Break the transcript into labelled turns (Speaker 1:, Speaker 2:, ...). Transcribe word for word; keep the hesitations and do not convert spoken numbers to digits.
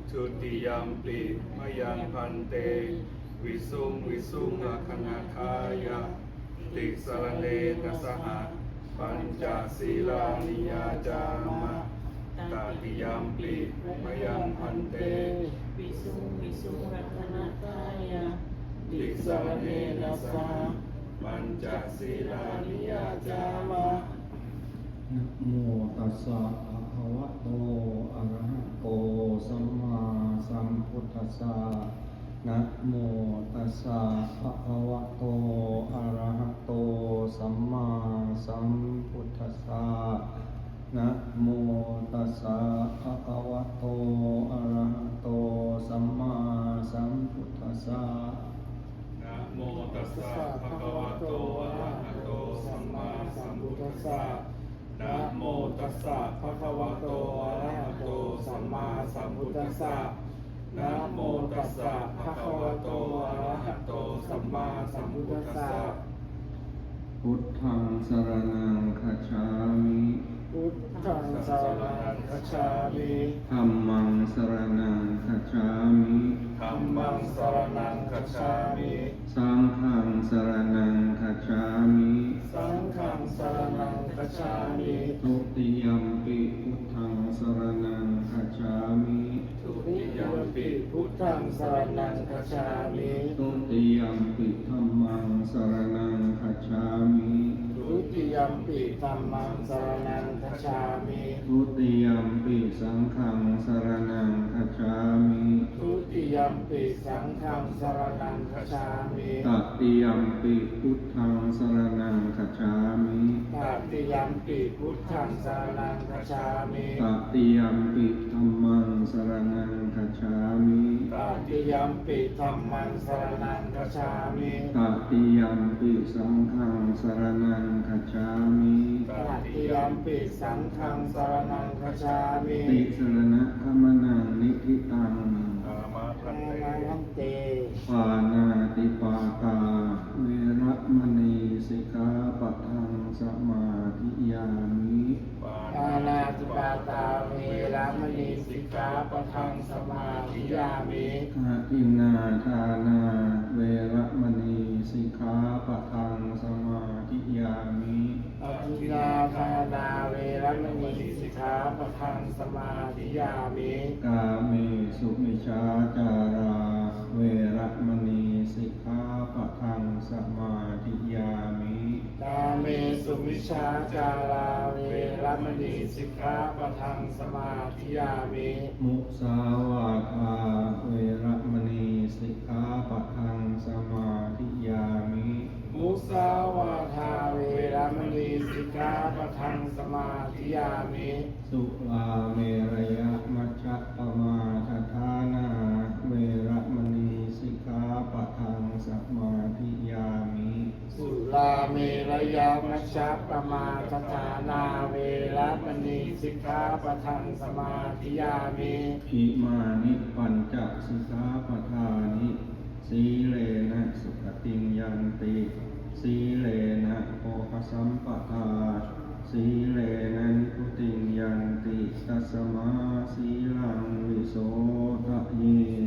Speaker 1: ทุติยมปิมยังพันเตวิสุงวิสุงอคณาทายะติสรณเนนะสหปัญจศีลานิยาจามะตติยมปิมยังพันเต
Speaker 2: วิสุงวิสุงรัตนตายะ
Speaker 1: ติสรณเนนะสหปัญจศีลานิยาจามะ
Speaker 3: นะโมตัสสะภะคะวะโตอะระหะโตสัมมาสัมพุทธัสสะนะโมตัสสะภะคะวะโตอะระหะโตสัมมาสัมพุทธัสสะนะโมตัสสะภะคะวะโตอะระหะโตสัมมาสัมพุทธัสสะ
Speaker 1: นะโมตัสสะภะคะวะโตอะระหะโตสัมมาสัมพุทธัสสะนะโมตัสสะภะคะวะโตอะระหะโตสัมมาสัมพุทธัสสะนะโมตัสสะภะคะวะโตอะระหะโตสัมมาสัมพุทธัสสะ
Speaker 3: พุทธังสรณังคัจฉามิ
Speaker 2: พุทธังสรณังคัจฉามิ
Speaker 3: ธัมมังสรณังคัจฉามิ
Speaker 1: ธัมมังสรณังคัจฉามิ
Speaker 3: สังฆังสรณังคัจฉามิ
Speaker 1: สังฆังสรณังคัจฉามิ
Speaker 3: ทุติยัมปิพุทธังสรณังคัจฉามิ
Speaker 1: ทุติยมปิพุทธังสรณังคัจฉามิ
Speaker 3: ทุติยัมปิธัมมังสรณังคัจฉามิ
Speaker 1: ทุติยมปิธัมมังสรณังคัจฉามิ
Speaker 3: ทุติยัมปิสังฆังสรณังคัจฉามิ
Speaker 1: ทุติยมปิสังฆังสรณังคัจฉามิ
Speaker 3: ตติยัมปิพุทธังสรณังคัจฉามิ
Speaker 1: ตติยมปิพุทธังสรณังคัจฉามิ
Speaker 3: ตติยัมปิธัมมังสรณังคัจฉามิ
Speaker 1: ตติยมปิธัมมังสรณังคัจฉามิ
Speaker 3: ตติยัมปิสังฆังสรณังคัจฉามิ
Speaker 1: ตติยมปิสังฆังสรณังคัจฉามิ
Speaker 3: ติสรณะขมนังนิธิตัง
Speaker 1: อามาพันเต
Speaker 2: พันเต
Speaker 3: ปานาติปาตาเวระมณีสิกขาปะทังสมาธิยามิ
Speaker 1: ปา
Speaker 2: ปานาติปาตาเวรมณีสิกขาปะทังสมาธิยามิ
Speaker 3: อาทินนาทานาเวระมณีสิกขาปะทังสมาธิยามิ
Speaker 2: อภินาทานาเวรมณีสิกขาปะทังสมาธิยามิ
Speaker 3: กาเมสุมิชาจาราเวระมณีสิกขาปะทังสมาธิยามิ
Speaker 2: กาเมสุมิชฌาจาราเวรมณีสิกขาปะทังสมาธิยามิ
Speaker 3: มุสาวาทาเวระมณีสิกขาปะทังสมาธิยามิ
Speaker 2: มุสาวาทาเวรมณีสิกขาปะทังสมาธิยามิ
Speaker 3: สุลาเมรยมัชฌะปมาทฐานาเวระมณีสิกขาปะทังสมาธิยามิ
Speaker 2: สุลาเมรยามัชฌัปปมาทฐานาเวรมณีสิกขาปะทังสมาธิยามิ
Speaker 3: อิมานิปัญจสิกขาปทานิสีเลนะสุขติงยันติสีเลนะโภคสัมปทาสีเลนะนิพุติงยันติตัสมาสีลังวิโสทะเย